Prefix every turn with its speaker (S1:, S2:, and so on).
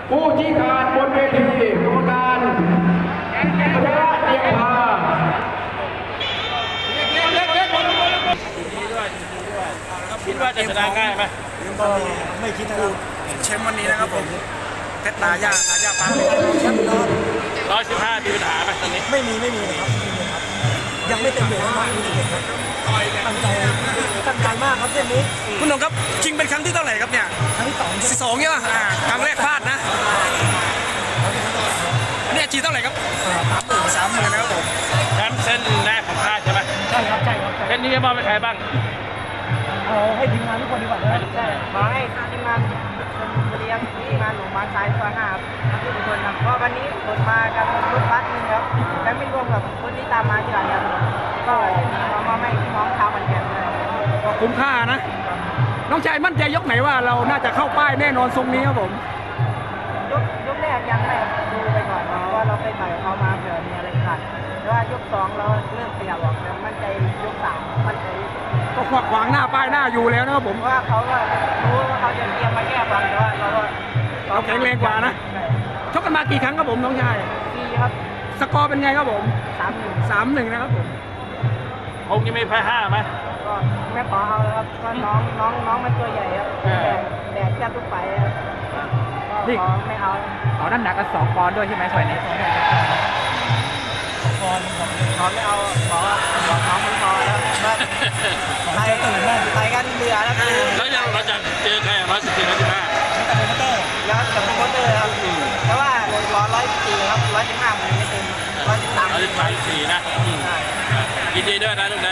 S1: ผู้ชี้ขาดบนเวทีกรรมการพัชระเดียงพา
S2: คิดว่าจะชนะง่ายไหม
S3: ก็ไม่คิดนะครับแชมป์วันนี้นะครับผมเพชรตาย่าปานแชมป์รอด
S2: 115มีปัญหาไหมตอนนี้
S3: ไม่มีนะครับยังไม่เต็มเหนียวมากครับตั้งใจมากครับเส้นนี้คุณหนุ่มครับชิงเป็นครั้งที่เท่าไหร่ครับเนี่ยครั้งที่2ใช่ป่ะครั้งแรกพลาดนะเนี่ยจีเท่าไหร่ครับ30,000นะครับผม
S2: แชมป์เส้นแรกของค่ายใช่ไหม
S3: ใช่ครับ
S2: เส้นนี้จะมอบให้ใครบ้าง
S3: เอาให้ทีมงานทุกคนดีกว่านะใช่
S4: ขอให้ทีมงานชลบุรีครับทีมงานหลวงบางซ้ายซอย5ครับทุกคนครับก็วันนี้ผลมากันรถบัสนึงครับและไม่รวมกับคนที่ตามมาทีหลังครับก็มาให้พี่น้องชาวขอนแก่นเลย
S1: ก็คุ้มค่านะ น้องชายมั่นใจยกไหนว่าเราน่าจะเข้าป้ายแน่นอนทรงนี้ครับผม
S4: ยกแรกยังไม่ดูไปก่อนเพราะว่าเราไปต่อยเขามาเผื่อมีอะไรขาดแต่ว่ายก2เราเริ่มขยับออกแต่มั่นใจยก3มั่นใจ
S1: ก็ขวางหน้าป้ายหน้าอยู่แล้วนะครับผม
S4: เพราะว่าเขาก็รู้ว่าเขาจะเตรียมมาแก้ความแต่ว่าเราก็
S1: เราแข็งแรงกว่านะ ชกกันมากี่ครั้งครับผมน้องชาย
S4: ดีครับ
S1: สกอร์เป็นไงครับผม
S4: 3-1
S1: 3-1นะครับผม
S2: คงจะไม่แพ้5ไหม
S4: ก็ไม่ขอเอาแล้วครับก็น้องมันตัวใหญ่ครับแดดแทบทุกไฟครับก็ขอไม่เอา
S1: เอาน้ำหนักกัน2 ปอนด์ด้วยใช่ไหมฝ่ายนี้
S4: ขอไม่เอาขอน้องมันพอแล้วก็ไปกันเบื่อแล้วคือ
S2: แล้วเราจะเจอใคร114 115
S4: แล้วกับโปรโมเตอร์ครับเพราะว่าขอ114ครับ115มันไม่เต็ม113
S2: 134นะยินดีด้วยนะลูกนะ